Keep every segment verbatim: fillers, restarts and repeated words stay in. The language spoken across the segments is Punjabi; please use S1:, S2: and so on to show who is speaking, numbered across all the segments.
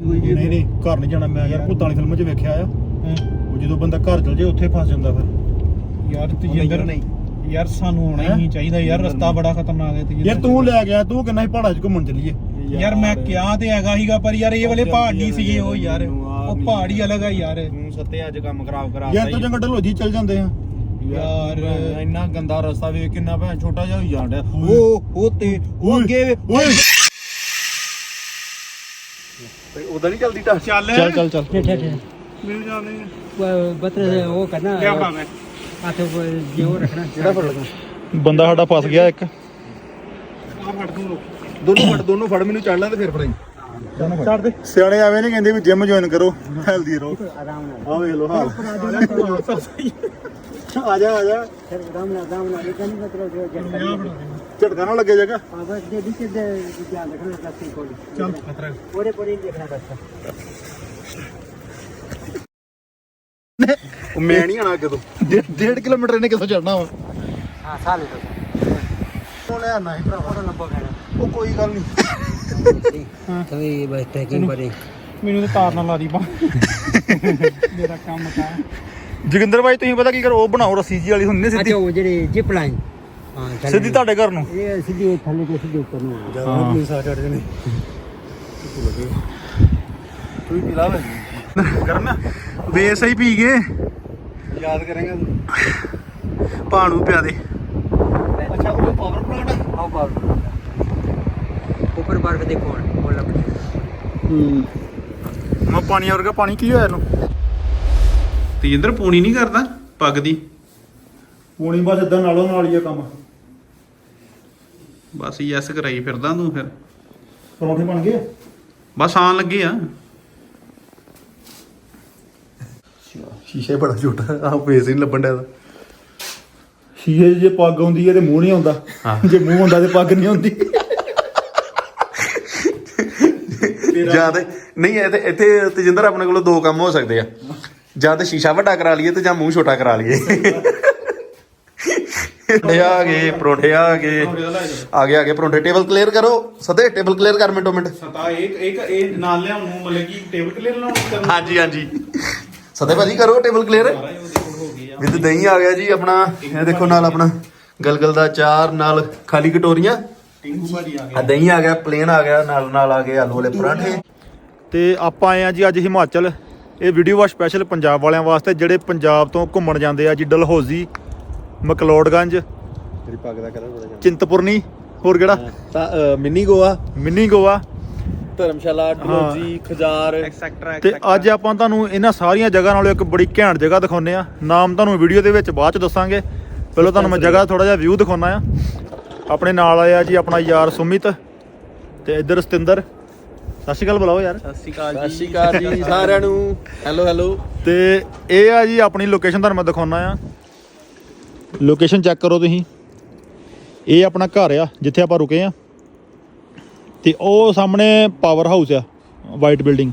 S1: ਕੋਈ
S2: ਨਹੀਂ ਨਹੀਂ ਘਰ ਨਹੀਂ ਜਾਣਾ ਮੈਂ ਯਾਰ ਭੂਤਾਂ ਵਾਲੀ ਫਿਲਮ 'ਚ ਵੇਖਿਆ ਆ ਉਹ ਜਦੋਂ ਬੰਦਾ ਘਰ ਚਲ ਜੇ ਉੱਥੇ ਫਸ ਜਾਂਦਾ ਫਿਰ
S3: ਯਾਰ ਤਜਿੰਦਰ ਨਹੀਂ ਯਾਰ ਸਾਨੂੰ ਆਉਣਾ ਹੀ ਚਾਹੀਦਾ ਯਾਰ ਰਸਤਾ ਬੜਾ ਖਤਰਨਾਕ ਹੈ ਤਜਿੰਦਰ
S2: ਯਾਰ ਤੂੰ ਲੈ ਗਿਆ ਤੂੰ ਕਿੰਨਾ ਹੀ ਪਹਾੜਾਂ 'ਚ ਘੁੰਮਣ ਚੱਲੀਏ
S3: ਯਾਰ ਮੈਂ ਕਿਹਾ ਤੇ ਹੈਗਾ ਸੀਗਾ ਪਰ ਯਾਰ ਇਹ ਵਾਲੇ ਪਹਾੜ ਨਹੀਂ ਸੀਗੇ ਉਹ ਯਾਰ ਉਹ ਪਹਾੜ ਹੀ ਅਲੱਗ ਆ ਯਾਰ
S1: ਤੂੰ ਸੱਤੇ ਅੱਜ ਕੰਮ ਖਰਾਬ ਕਰਾ
S2: ਯਾਰ ਤੂੰ ਚੰਗਾ ਢਲੋਜੀ ਚੱਲ ਜਾਂਦੇ ਆ
S3: ਯਾਰ
S1: ਇੰਨਾ ਗੰਦਾ ਰਸਤਾ ਵੇਖ ਕਿੰਨਾ ਭੈਣ ਛੋਟਾ ਜਿਹਾ ਹੋਈ ਜਾਂਦਾ ਉਹ ਉਹ ਤੇ ਉਹ ਅੱਗੇ
S2: ਓਏ
S1: ਉਹਦਾ ਨਹੀਂ ਚੱਲਦੀ ਟਾ
S3: ਚੱਲ
S2: ਚੱਲ ਚੱਲ ਚੱਲ
S4: ठीक है
S3: ਮੈਨੂੰ ਜਾਣੇ
S4: बतर वो करना
S3: ਲਿਆ ਬਣਾ ਮੈਂ
S4: हाथ ये वो रखना
S1: ਜਿਹੜਾ ਫੜ ਲਗਾ
S2: ਬੰਦਾ ਸਾਡਾ ਫਸ ਗਿਆ ਇੱਕ
S3: ਆ ਫੜ ਦੂੰ
S1: ਦੋਨੋਂ ਫੜ ਦੋਨੋਂ ਫੜ ਮੈਨੂੰ ਚੜ ਲਾਂ ਤੇ ਫਿਰ ਫੜਾਈ
S3: ਛੱਡ ਦੇ
S2: ਸਿਆਣੇ ਐਵੇਂ ਨਹੀਂ ਕਹਿੰਦੇ ਵੀ ਜਿਮ ਜੁਆਇਨ ਕਰੋ ਹੈਲਦੀ ਰਹੋ
S4: आराम
S2: ਆ ਵੇਖ ਲੋ ਹਾਲ ਆ ਜਾ ਆ ਜਾ
S4: फिर आराम आराम लेकिन मतलब जो झटका
S2: ਝਟਕਾ ਨਾ ਲੱਗੇ ਜਗਾ
S4: हां बस ये बीच दे ध्यान रखना रास्ते को
S3: ਚੱਲ ਖਤਰਾ
S4: पूरे पूरे देखना रास्ता
S2: ਉਹ ਮੈਂ ਨਹੀਂ ਆਣਾ ਅੱਗੇ ਤੋਂ ਡੇਢ ਕਿਲੋਮੀਟਰ ਇਹਨੇ ਕਿੱਥੋਂ ਚੜਨਾ ਵਾ
S4: हां साल तो
S2: ਉਹ ਲੈ ਆਣਾ ਹੈ ਭਰਾਵਾ
S4: थोड़ा लंबा करना
S2: ਉਹ ਕੋਈ ਗੱਲ ਨਹੀਂ
S4: तो ये बस ट्रैकिंग पर
S3: ਮੈਨੂੰ ਤਾਂ ਤਾਰ ਨਾਲ ਲਾ ਦੀ ਬਾ ਮੇਰਾ ਕੰਮ ਤਾਂ
S2: ਜੋਗਿੰਦਰ ਭਾਈ ਤੁਸੀਂ ਪਤਾ ਕੀ ਕਰੋ ਉਹ ਬਣਾਓ ਰੱਸੀ ਜੀ ਵਾਲੀ ਹੁੰਦੀ ਸਿੱਧੀ
S4: अच्छा वो जेडी जिप लाइन हां
S2: ਸਿੱਧੀ ਤੁਹਾਡੇ ਘਰ ਨੂੰ
S4: ये सीधी थल्ले के सीधे ऊपर नु
S2: ਜਦੋਂ ਪੁਲਿਸ ਆ ਚੜ ਜਣੇ
S1: ਤੂੰ ਪੀ ਲਾ ਵੇ
S2: ਕਰਨਾ ਬੇਸ ਹੀ ਪੀ ਗਏ
S1: ਯਾਦ ਕਰਾਂਗਾ ਤੂੰ
S2: ਪਾਣੂ ਪਿਆ ਦੇ
S1: ਅੱਛਾ ਉਹ ਪਾਵਰ ਪਲਾਂਟ
S4: हां बार ऊपर बार के देखो बोला
S2: ਹੂੰ ਮੈਂ ਪਾਣੀ ਵਰਗਾ ਪਾਣੀ ਕੀ ਹੋਇਆ ਇਹਨੂੰ
S3: ਤਜਿੰਦਰ ਪੂਣੀ ਨਹੀਂ ਕਰਦਾ ਪੱਗ ਦੀ
S2: ਪੂਣੀ ਬਸ ਇਦਾਂ ਨਾਲੋਂ ਨਾਲ ਹੀ ਆ ਕੰਮ
S3: ਬਸ ਯੈਸ ਕਰਾਈ ਫਿਰਦਾ ਤੂੰ ਫਿਰ
S2: ਪਰੌਂਠੇ ਬਣ ਗਏ
S3: ਬਸ ਆਣ ਲੱਗੇ ਆ
S2: ਸ਼ੀਸ਼ਾ ਬੜਾ ਛੋਟਾ ਆ ਫੇਸ ਹੀ ਨਹੀਂ ਲੱਭਣ ਡਿਆ ਸ਼ੀਸ਼ੇ 'ਚ ਜੇ ਪੱਗ ਆਉਂਦੀ ਹੈ ਤੇ ਮੂੰਹ ਨਹੀਂ ਆਉਂਦਾ ਜੇ ਮੂੰਹ ਹੁੰਦਾ ਤੇ ਪੱਗ ਨਹੀਂ ਆਉਂਦੀ
S5: ਜਾਂ ਤੇ ਨਹੀਂ ਇੱਥੇ ਇੱਥੇ ਤਜਿੰਦਰ ਆਪਣੇ ਕੋਲੋਂ ਦੋ ਕੰਮ ਹੋ ਸਕਦੇ ਆ ਜਾਂ ਤੇ ਸ਼ੀਸ਼ਾ ਵੱਡਾ ਕਰਾ ਲਈਏ ਤੇ ਜਾਂ ਮੂੰਹ ਛੋਟਾ ਕਰਾ ਲਈਏ ਪਰੌਂਠੇ ਆ ਗਏ ਪਰੌਂਠੇ ਆ ਗਏ ਆ ਗਏ ਆ ਗਏ ਪਰੌਂਠੇ ਟੇਬਲ ਕਲੀਅਰ ਕਰੋ ਸਦੇ ਟੇਬਲ ਕਲੀਅਰ ਕਰ ਮਿੰਟੋ ਮਿੰਟ
S3: ਸਤਾ ਇੱਕ ਇੱਕ ਇਹ ਨਾਲ ਲਿਆਉਣ ਨੂੰ ਮਤਲਬ ਕਿ ਟੇਬਲ ਕਲੀਅਰ ਲਾਉਣ
S5: ਹਾਂਜੀ ਹਾਂਜੀ ਸਦੇ ਭਾਜੀ ਕਰੋ ਟੇਬਲ ਕਲੀਅਰ ਵਿਦ ਦਹੀਂ ਆ ਗਿਆ ਜੀ ਆਪਣਾ ਇਹ ਦੇਖੋ ਨਾਲ ਆਪਣਾ ਗਲਗਲ ਦਾ ਚਾਰ ਨਾਲ ਖਾਲੀ ਕਟੋਰੀਆਂ
S3: ਟਿੰਕੂ ਭਾਜੀ ਆ
S5: ਆ ਦਹੀਂ ਆ ਗਿਆ ਪਲੇਨ ਆ ਗਿਆ ਨਾਲ ਨਾਲ ਆ ਗਏ ਆਲੂ ਵਾਲੇ ਪਰਾਂਠੇ
S2: ਤੇ ਆਪਾਂ ਆਏ ਆ ਜੀ ਅੱਜ ਹਿਮਾਚਲ ਇਹ ਵੀਡੀਓ ਆ ਸਪੈਸ਼ਲ ਪੰਜਾਬ ਵਾਲਿਆਂ ਵਾਸਤੇ ਜਿਹੜੇ ਪੰਜਾਬ ਤੋਂ ਘੁੰਮਣ ਜਾਂਦੇ ਆ ਜੀ ਡਲਹੌਜ਼ੀ ਮਕਲੋਡਗੰਜ
S1: ਤੇਰੀ ਪੱਗ ਦਾ ਕਲਰ ਬੜਾ
S2: ਚਿੰਤਪੁਰਨੀ ਹੋਰ ਕਿਹੜਾ
S1: ਤਾਂ mini Goa
S2: mini Goa
S1: Dharamshala Dalhousie Khajjiar
S3: etcetera
S2: ਤੇ ਅੱਜ ਆਪਾਂ ਤੁਹਾਨੂੰ ਇਹਨਾਂ ਸਾਰੀਆਂ ਜਗ੍ਹਾ ਨਾਲੋਂ ਇੱਕ ਬੜੀ ਘੈਂਟ ਜਗ੍ਹਾ ਦਿਖਾਉਂਦੇ ਆ ਨਾਮ ਤੁਹਾਨੂੰ ਵੀਡੀਓ ਦੇ ਵਿੱਚ ਬਾਅਦ ਚ ਦੱਸਾਂਗੇ ਪਹਿਲਾਂ ਤੁਹਾਨੂੰ ਮੈਂ ਜਗ੍ਹਾ ਥੋੜਾ ਜਿਹਾ ਵਿਊ ਦਿਖਾਉਣਾ ਆ ਆਪਣੇ ਨਾਲ ਆਇਆ ਜੀ ਆਪਣਾ ਯਾਰ ਸੁਮਿਤ ਤੇ ਇੱਧਰ ਸਤਿੰਦਰ ਸਤਿ ਸ਼੍ਰੀ ਅਕਾਲ ਬੁਲਾਓ ਯਾਰ
S3: ਸਤਿ ਸ਼੍ਰੀ ਅਕਾਲ
S1: ਸਤਿ ਸ਼੍ਰੀ ਅਕਾਲ ਜੀ ਸਾਰਿਆਂ ਨੂੰ ਹੈਲੋ ਹੈਲੋ
S2: ਤੇ ਇਹ ਆ ਜੀ ਆਪਣੀ ਲੋਕੇਸ਼ਨ ਤੁਹਾਨੂੰ ਮੈਂ ਦਿਖਾਉਣਾ ਆ ਲੋਕੇਸ਼ਨ ਚੈੱਕ ਕਰੋ ਤੁਸੀਂ ਇਹ ਆਪਣਾ ਘਰ ਆ ਜਿੱਥੇ ਆਪਾਂ ਰੁਕੇ ਆ ਤੇ ਉਹ ਸਾਹਮਣੇ ਪਾਵਰ ਹਾਊਸ ਆ ਵਾਈਟ ਬਿਲਡਿੰਗ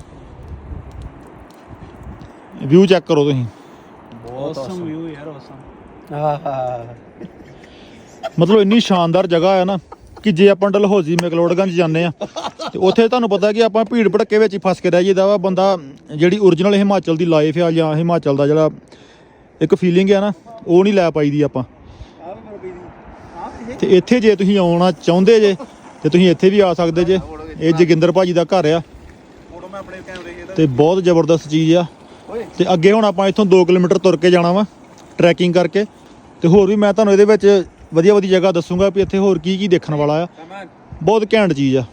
S2: ਵਿਊ ਚੈੱਕ ਕਰੋ ਤੁਸੀਂ
S3: ਔਸਮ ਵਿਊ ਯਾਰ ਔਸਮ
S1: ਆਹਾ
S2: ਮਤਲਬ ਇੰਨੀ ਸ਼ਾਨਦਾਰ ਜਗ੍ਹਾ ਆ ਨਾ ਕਿ ਜੇ ਆਪਾਂ ਡਲਹੌਜ਼ੀ ਮੈਕਲੋਡਗੰਜ ਜਾਂਦੇ ਆ ਤੇ ਉੱਥੇ ਤੁਹਾਨੂੰ ਪਤਾ ਕਿ ਆਪਾਂ ਭੀੜ ਭੜੱਕੇ ਵਿੱਚ ਹੀ ਫਸ ਕੇ ਰਹਿ ਜਾਈਦਾ ਵਾ ਬੰਦਾ ਜਿਹੜੀ ਓਰੀਜਨਲ ਹਿਮਾਚਲ ਦੀ ਲਾਈਫ ਆ ਜਾਂ ਹਿਮਾਚਲ ਦਾ ਜਿਹੜਾ ਇੱਕ ਫੀਲਿੰਗ ਆ ਨਾ ਉਹ ਨਹੀਂ ਲੈ ਪਾਈਦੀ ਆਪਾਂ ਤੇ ਇੱਥੇ ਜੇ ਤੁਸੀਂ ਆਉਣਾ ਚਾਹੁੰਦੇ ਜੇ ਤੇ ਤੁਸੀਂ ਇੱਥੇ ਵੀ ਆ ਸਕਦੇ ਜੇ ਇਹ ਜੋਗਿੰਦਰ ਭਾਜੀ ਦਾ ਘਰ ਆ ਤੇ ਬਹੁਤ ਜ਼ਬਰਦਸਤ ਚੀਜ਼ ਆ ਤੇ ਅੱਗੇ ਹੁਣ ਆਪਾਂ ਇੱਥੋਂ ਦੋ ਕਿਲੋਮੀਟਰ ਤੁਰ ਕੇ ਜਾਣਾ ਵਾ ਟਰੈਕਿੰਗ ਕਰਕੇ ਤੇ ਹੋਰ ਵੀ ਮੈਂ ਤੁਹਾਨੂੰ ਇਹਦੇ ਵਿੱਚ ਵਧੀਆ ਵਧੀਆ ਜਗ੍ਹਾ ਦੱਸੂਗਾ ਵੀ ਇੱਥੇ ਹੋਰ ਕੀ ਕੀ ਦੇਖਣ ਵਾਲਾ ਆ ਬਹੁਤ ਘੈਂਟ ਚੀਜ਼ ਆ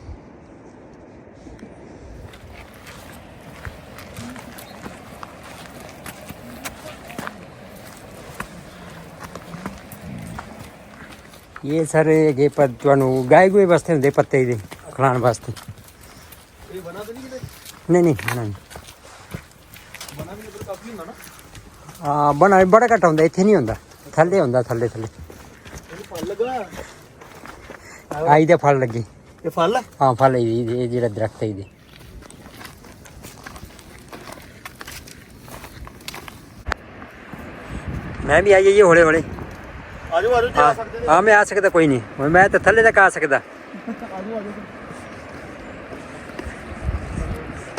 S4: ये सर ये पर ਤੁਹਾਨੂੰ ਗਾय ਗੋਏ ਵਾਸਤੇ ਹੁੰਦੇ ਪੱਤੇ ਦੇ ਖਲਾਣ ਵਾਸਤੇ
S1: ਇਹ ਬਣਾ ਤਾਂ ਨਹੀਂ ਕਿਤੇ
S4: ਨਹੀਂ ਨਹੀਂ ਬਣਾ ਨਹੀਂ
S1: ਬਣਾ ਵੀ ਇੱਧਰ ਕਾਫੀ ਹੁੰਦਾ ਨਾ
S4: ਆ ਬਣਾ ਬੜਾ ਘੱਟ ਹੁੰਦਾ ਇੱਥੇ ਨਹੀਂ ਹੁੰਦਾ ਥੱਲੇ ਹੁੰਦਾ ਥੱਲੇ ਥੱਲੇ
S1: ਇਹ ਫਲ ਲੱਗਾ
S4: ਆਈ ਦੇ ਫਲ ਲੱਗੇ
S1: ਇਹ ਫਲ ਹੈ
S4: ਹਾਂ ਫਲ ਇਹ ਇਹ ਜਿਹੜਾ ਦਰਖਤ ਹੈ ਇਹਦੇ ਮੈਂ ਵੀ ਆਈ ਹੌਲੇ ਹੌਲੇ
S2: ਆਜੋ ਆਜੋ
S4: ਹਾਂ ਹਾਂ ਮੈਂ ਆ ਸਕਦਾ ਕੋਈ ਨਹੀਂ ਮੈਂ ਤਾਂ ਥੱਲੇ ਤੱਕ ਆ ਸਕਦਾ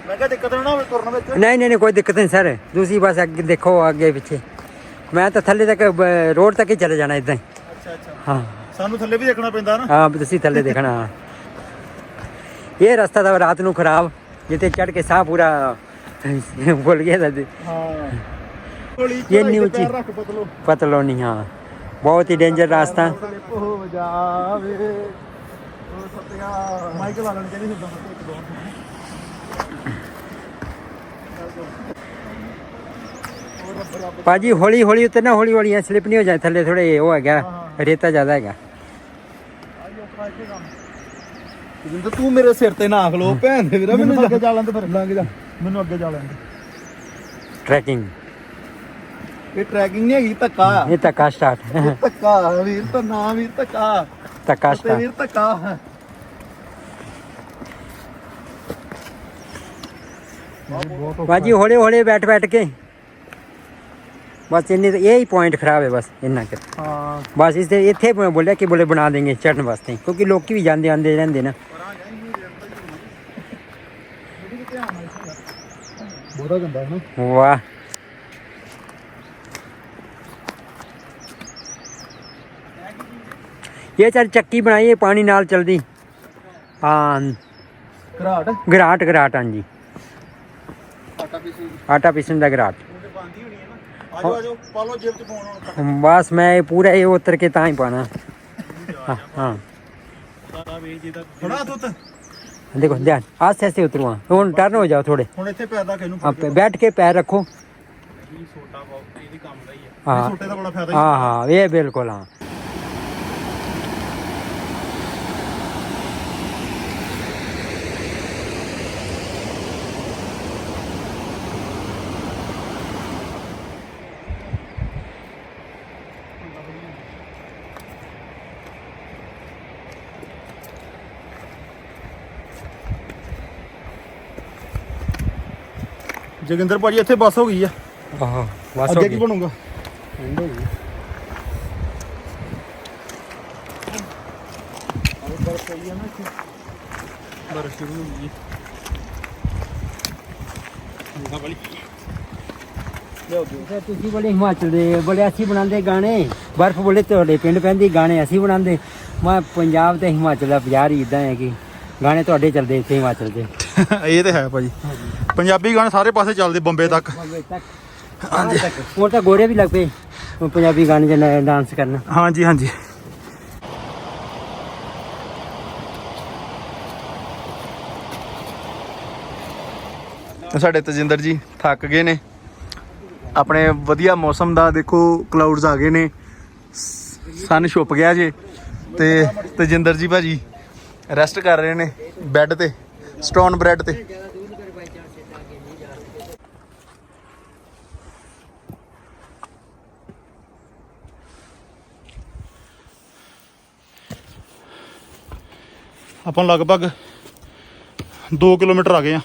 S2: ਮੈਂ ਕਿਹਾ ਦਿੱਕਤ ਨਾ ਹੋਵੇ ਤੁਰਨ ਵਿੱਚ।
S4: नहीं नहीं नहीं कोई दिक्कत नहीं सर, दूसरी बस आगे देखो आगे पीछे, मैं तो थल्ले तक ब- रोड तक ही चले जाना इदां ही।
S2: ਅੱਛਾ ਅੱਛਾ
S4: हाँ
S2: ਸਾਨੂੰ ਥੱਲੇ ਵੀ ਦੇਖਣਾ ਪੈਂਦਾ ਨਾ।
S4: हाँ तुसी थल्ले देखना। हाँ ये रास्ता था रात नू खराब, जिते चढ़ के साह पूरा भुल गया था।
S2: ਹਾਂ ਹੌਲੀ
S4: ਇਹ
S2: ਚੜਾਈ ਤੇ
S4: ਨੀਚੇ।
S2: ਪੈਰ ਰੱਖ ਪਤਲੋ
S4: पतलो नहीं, हाँ बहुत ही डेंजर रास्ता।
S2: ਸਲਿੱਪ ਹੋ ਜਾਵੇ ਉਹ ਸਤਿਆ ਮਾਈਕ ਲਾ ਲੈਣ ਚਾਹੀਦੀ ਹੁੰਦਾ ਇੱਕ ਦੋ
S4: पाजी हौली हौली उतरना, हौली हौली स्लिप नहीं हो जाए थल्ले, थोड़े वो है रेता ज़्यादा है।
S2: ਜਿੰਦ ਤੂੰ ਮੇਰੇ ਸਿਰ ਤੇ ਨਾ ਖਲੋ ਭੈਣ ਦੇ ਵੀਰਾ, ਮੈਨੂੰ ਅੱਗੇ ਜਾ ਲੈਂਦੇ ਫਿਰ ਲੰਘ ਜਾ, ਮੈਨੂੰ ਅੱਗੇ ਜਾ ਲੈਂਦੇ।
S4: ट्रैकिंग
S2: ਇਹ ਟਰੈਕਿੰਗ ਨਹੀਂ ਹੈਗੀ, ਧੱਕਾ ਆ।
S4: ये तक स्टार्ट
S2: ਧੱਕਾ ਵੀਰ, ਤਾਂ ਨਾ ਵੀਰ ਧੱਕਾ
S4: तक
S2: ਤੇ
S4: स्टार्ट।
S2: ਵੀਰ ਧੱਕਾ।
S4: बाजी हौले हौले बैठ बैठ के बस इन्नी, यही पॉइंट खराब है बस इन्ना कर।
S2: ਹਾਂ
S4: बस इस इतने बोलिया कि बोले बना देंगे चढ़ने वास्ते, क्योंकि लोग भी जाते आते रहते ना।
S2: ਬਹੁਤਾ ਗੰਦਾ ਹੈ ਨਾ।
S4: वाह ये चल चक्की बनाई है पानी नाल चलदी। हाँ
S2: ਘਰਾਟ
S4: घराट घराट, हाँ जी आटा पीसन का घराट।
S2: ਆਜੋ ਆਜੋ ਪਾ ਲਓ ਜੇਬ ਚ ਫੋਨ ਹੁਣ।
S4: बस मैं पूरा ये उतर के ता ही पाना। हाँ हाँ
S2: ਖੜਾ ਤੂੰ
S4: देखो ध्यान आस्ते आस्ते उतरो, हाँ हुन टर्न हो जाओ थोड़े।
S2: ਹੁਣ ਇੱਥੇ ਪੈਰ ਦਾ ਕਿਨੂੰ
S4: आप बैठ के पैर रखो।
S3: ਛੋਟਾ ਬਹੁਤ ਇਹਦੀ ਕੰਮ ਦਾ ਹੀ ਹੈ।
S4: हाँ
S2: ਛੋਟੇ ਦਾ ਬੜਾ ਫਾਇਦਾ
S4: हाँ हाँ ये बिल्कुल हाँ।
S2: ਜੋਗਿੰਦਰ ਭਾਜੀ ਇੱਥੇ ਬੱਸ ਹੋ ਗਈ ਆ,
S4: हाँ बस
S2: ਅੱਗੇ
S4: हो
S2: ਕੀ
S4: गई।
S2: ਬਣੂਗਾ?
S3: ਬਰਫ਼ ਸ਼ੁਰੂ ਹੋ ਗਈ ਹੈ ਵਾਲੀ।
S4: ਤੇ ਤੁਸੀਂ ਬੜੇ ਹਿਮਾਚਲ ਦੇ ਬੜੇ ਅਸੀਂ ਬਣਾਉਂਦੇ ਗਾਣੇ, ਬਰਫ਼ ਬੋਲੇ ਤੁਹਾਡੇ ਪਿੰਡ ਪੈਂਦੀ, ਗਾਣੇ ਅਸੀਂ ਬਣਾਉਂਦੇ। ਮੈਂ ਪੰਜਾਬ ਤੇ ਹਿਮਾਚਲ ਦਾ ਬਾਜ਼ਾਰ ਹੀ ਇਦਾਂ ਹੈ ਕਿ ਗਾਣੇ ਤੁਹਾਡੇ ਚੱਲਦੇ ਇੱਥੇ ਹਿਮਾਚਲ ਦੇ।
S2: ਇਹ ਤੇ ਹੈ ਭਾਜੀ, ਪੰਜਾਬੀ ਗਾਣੇ ਸਾਰੇ ਪਾਸੇ ਚੱਲਦੇ, ਬੰਬੇ ਤੱਕ।
S4: ਬੰਬੇ ਤੱਕ ਹਾਂਜੀ। ਹੁਣ ਤਾਂ ਗੋਰੇ ਵੀ ਲੱਗ ਪਏ ਪੰਜਾਬੀ ਗਾਣੇ 'ਚ ਡਾਂਸ ਕਰਨਾ।
S2: ਹਾਂਜੀ ਹਾਂਜੀ ਸਾਡੇ ਤਜਿੰਦਰ ਜੀ ਥੱਕ ਗਏ ਨੇ। ਆਪਣੇ ਵਧੀਆ ਮੌਸਮ ਦਾ ਦੇਖੋ, ਕਲਾਊਡਸ ਆ ਗਏ ਨੇ, ਸਨ ਛੁਪ ਗਿਆ ਜੇ, ਤੇ ਤਜਿੰਦਰ ਜੀ ਭਾਜੀ ਰੈਸਟ ਕਰ ਰਹੇ ਨੇ ਬੈੱਡ ਤੇ, ਸਟੋਨ ਬ੍ਰੈਡ ਤੇ। ਆਪਾਂ ਲਗਭਗ ਦੋ ਕਿਲੋਮੀਟਰ ਆ ਗਏ ਆ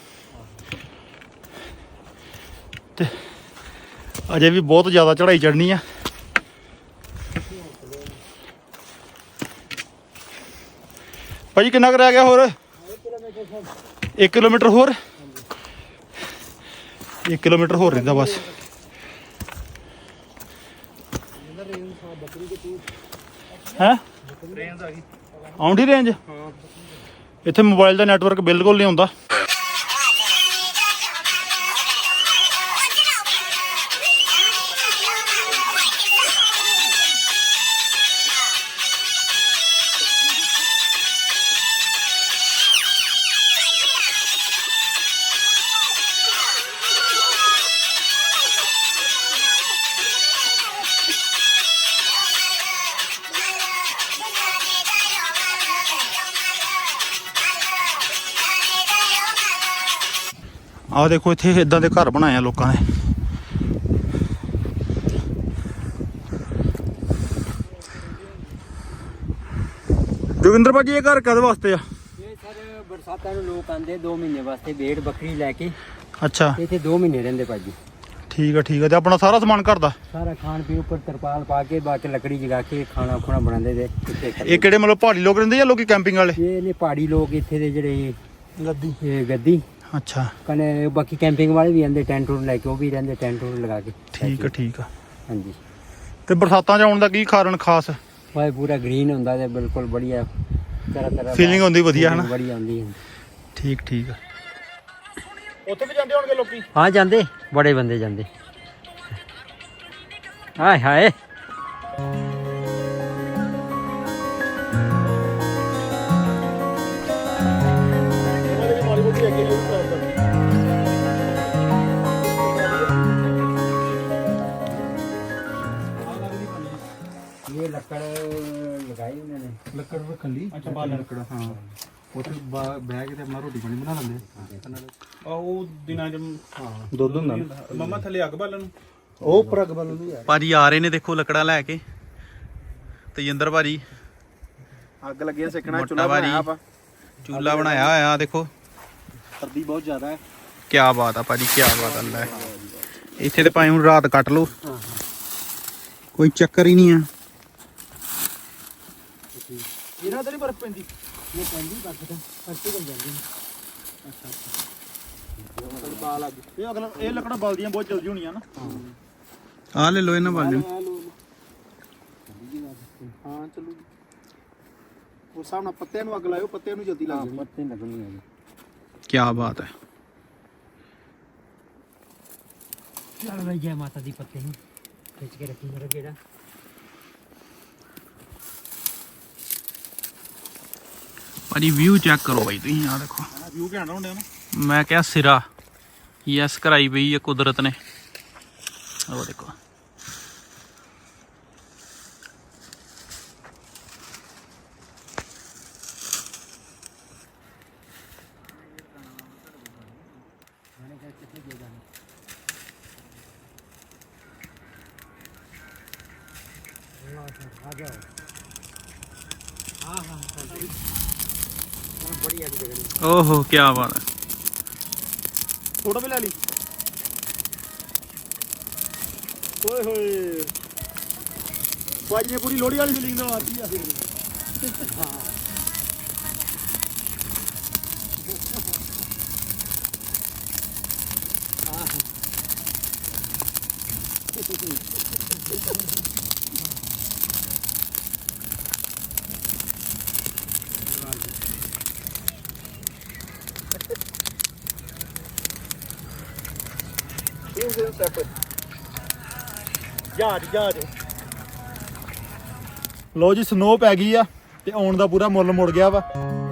S2: ਤੇ ਅਜੇ ਵੀ ਬਹੁਤ ਜ਼ਿਆਦਾ ਚੜ੍ਹਾਈ ਚੜ੍ਹਨੀ ਆ। ਭਾਜੀ ਕਿੰਨਾ ਕੁ ਰਹਿ ਗਿਆ ਹੋਰ? ਇੱਕ ਕਿਲੋਮੀਟਰ ਹੋਰ, ਇੱਕ ਕਿਲੋਮੀਟਰ ਹੋਰ ਰਹਿੰਦਾ ਬਸ। ਹੈ ਆਉਂਦੀ ਰੇਂਜ? ਇੱਥੇ ਮੋਬਾਈਲ ਦਾ ਨੈਟਵਰਕ ਬਿਲਕੁਲ ਨਹੀਂ ਆਉਂਦਾ। ਆਹ ਦੇਖੋ ਇੱਥੇ ਇਦਾਂ ਦੇ ਘਰ ਬਣਾਏ ਆ ਲੋਕਾਂ ਨੇ। ਜੋਗਿੰਦਰ ਭਾਜੀ ਇਹ ਘਰ ਕਦ ਵਾਸਤੇ ਆ?
S4: ਇਹ ਸਰ ਬਰਸਾਤਾਂ ਨੂੰ ਲੋਕ ਆਉਂਦੇ ਦੋ ਮਹੀਨੇ ਵਾਸਤੇ ਭੇਡ ਬੱਕਰੀ ਲੈ ਕੇ,
S2: ਅੱਛਾ
S4: ਇੱਥੇ ਦੋ ਮਹੀਨੇ ਰਹਿੰਦੇ ਭਾਜੀ।
S2: ਠੀਕ ਆ ਠੀਕ ਆ। ਤੇ ਆਪਣਾ ਸਾਰਾ ਸਮਾਨ ਘਰ ਦਾ?
S4: ਸਾਰਾ ਖਾਣ ਪੀਣ ਉੱਪਰ ਤਰਪਾਲ ਪਾ ਕੇ, ਬਾਕੀ ਲੱਕੜੀ ਜਗਾ ਕੇ ਖਾਣਾ ਖੁਣਾ ਬਣਾਉਂਦੇ ਦੇ ਇੱਥੇ।
S2: ਇਹ ਕਿਹੜੇ ਮਤਲਬ ਪਹਾੜੀ ਲੋਕ ਰਹਿੰਦੇ ਜਾਂ ਲੋਕੀ ਕੈਂਪਿੰਗ ਵਾਲੇ?
S4: ਇਹ ਨੇ ਪਹਾੜੀ ਲੋਕ ਇੱਥੇ ਦੇ ਜਿਹੜੇ
S2: ਗੱਦੀ।
S4: ਇਹ ਗੱਦੀ
S2: ਅੱਛਾ
S4: ਕਨੇ ਬਾਕੀ ਕੈਂਪਿੰਗ ਵਾਲੇ ਵੀ ਆਂਦੇ ਟੈਂਟ ਟੂਟ ਲੈ ਕੇ, ਉਹ ਵੀ ਰਹਿੰਦੇ ਟੈਂਟ ਟੂਟ ਲਗਾ ਕੇ।
S2: ਠੀਕ ਆ ਠੀਕ ਆ।
S4: ਹਾਂਜੀ।
S2: ਤੇ ਬਰਸਾਤਾਂ 'ਚ ਆਉਣ ਦਾ ਕੀ ਕਾਰਨ ਖਾਸ?
S4: ਵਾਹ ਪੂਰਾ ਗ੍ਰੀਨ ਹੁੰਦਾ ਤੇ ਬਿਲਕੁਲ ਬੜੀਆ ਤਰ੍ਹਾਂ ਤਰ੍ਹਾਂ
S2: ਫੀਲਿੰਗ ਹੁੰਦੀ ਵਧੀਆ ਹਨਾ?
S4: ਬੜੀ ਆਉਂਦੀ ਹੈ।
S2: ਠੀਕ ਠੀਕ ਆ। ਉੱਥੇ ਵੀ ਜਾਂਦੇ ਹੋਣਗੇ ਲੋਕੀ?
S4: ਹਾਂ ਜਾਂਦੇ, ਬੜੇ ਬੰਦੇ ਜਾਂਦੇ। ਹਾਏ ਹਾਏ ये लकड़ लगाई उन्होंने।
S3: ਲੱਕੜ ਰੱਖਣ ਲਈ। ਅੱਛਾ ਬਾਲ ਲੱਕੜ ਹਾਂ। ਉੱਥੇ ਬਹਿ ਕੇ ਤੇ ਆਪਣਾ ਰੋਟੀ ਪਾਣੀ ਬਣਾ ਲੈਂਦੇ ਆ। ਉਹ ਦਿਨਾਂ ਚ ਹਾਂ ਦੁੱਧ ਹੁੰਦਾ ਮਮਾ ਥੱਲੇ ਅੱਗ ਬਾਲਣ ਨੂੰ, ਉਹ ਉੱਪਰ ਅੱਗ ਬਾਲਣ ਨੂੰ।
S2: ਭਾਜੀ ਆ ਰਹੇ ਨੇ ਦੇਖੋ ਲੱਕੜਾਂ ਲੈ ਕੇ। ਤੇਜਿੰਦਰ ਭਾਜੀ
S3: ਅੱਗ ਲੱਗਿਆ ਸੇਕਣਾ।
S2: ਚੁੱਲ੍ਹਾ ਬਣਾਇਆ ਆਪਾਂ, ਚੂਲਾ ਬਣਾਇਆ ਹੋਇਆ ਦੇਖੋ।
S3: ਸਰਦੀ ਬਹੁਤ ਜ਼ਿਆਦਾ ਹੈ।
S2: ਕੀ ਬਾਤ ਆ ਭਾਜੀ, ਕੀ ਬਾਤ ਆ। ਲੈ ਇੱਥੇ ਤੇ ਭਾਵੇਂ ਹੁਣ ਰਾਤ ਕੱਟ ਲਓ, ਕੋਈ ਚੱਕਰ ਹੀ ਨਹੀਂ ਆ।
S3: ਇਹਨਾਂ ਤੇ ਨਹੀਂ ਬਰਫ਼ ਪੈਂਦੀ?
S4: ये पेंडी बर्फ तो परती बन जाती है।
S3: ਅੱਛਾ ਅੱਛਾ ਬਾਲ ਅੱਗ।
S1: ਇਹ ਅਗਲਾ ਇਹ ਲੱਕੜਾਂ ਬਲਦੀਆਂ ਬਹੁਤ ਜਲਦੀ ਹੋਣੀਆਂ ਨਾ।
S2: ਆ ਲੈ ਲੋ ਇਹਨਾਂ ਵਾਲੇ।
S3: ਹਾਂ ਚਲੋ ਉਸ ਹਿਸਾਬ ਨਾਲ ਪੱਤਿਆਂ ਨੂੰ ਅੱਗ ਲਾਇਓ, ਪੱਤਿਆਂ ਨੂੰ ਜਲਦੀ ਲੱਗ ਜਾਣੀ।
S4: पत्ते लगनी है।
S2: ਕੀ ਬਾਤ ਹੈ।
S4: चल भाई जय माता दी। पत्ते ही खींच के रखी मेरा गेड़ा।
S2: ਭਾਜੀ ਵਿਊ ਚੈੱਕ ਕਰੋ ਬਾਈ ਤੁਸੀਂ, ਆ ਦੇਖੋ
S1: ਵਿਊ ਘੈਂਟ ਹੁੰਦੇ ਨਾ।
S2: ਮੈਂ ਕਿਹਾ ਸਿਰਾ ਯੈਸ ਕਰਾਈ ਪਈ ਹੈ ਕੁਦਰਤ ਨੇ। ਉਹ ਦੇਖੋ
S4: आ जाओ। हाँ हाँ बढ़िया जगह।
S2: ਓਹੋ ਕੀ ਬਾਤ ਹੈ।
S1: ਫੋਟੋ ਵੀ ਲੈ ਲਈ। ਓਏ ਹੋਏ ਭਾਜੀ ਨੇ ਪੂਰੀ ਲੋਹੜੀ ਵਾਲੀ ਫੀਲਿੰਗ ਨਾਲ ਆਤੀ ਆ। ਹਾਂ ਜਹਾਜ਼ ਜਹਾਜ਼। ਲੋ ਜੀ ਸਨੋ ਪੈ ਗਈ ਆ ਤੇ ਆਉਣ ਦਾ ਪੂਰਾ ਮੁੱਲ ਮੁੜ ਗਿਆ ਵਾ।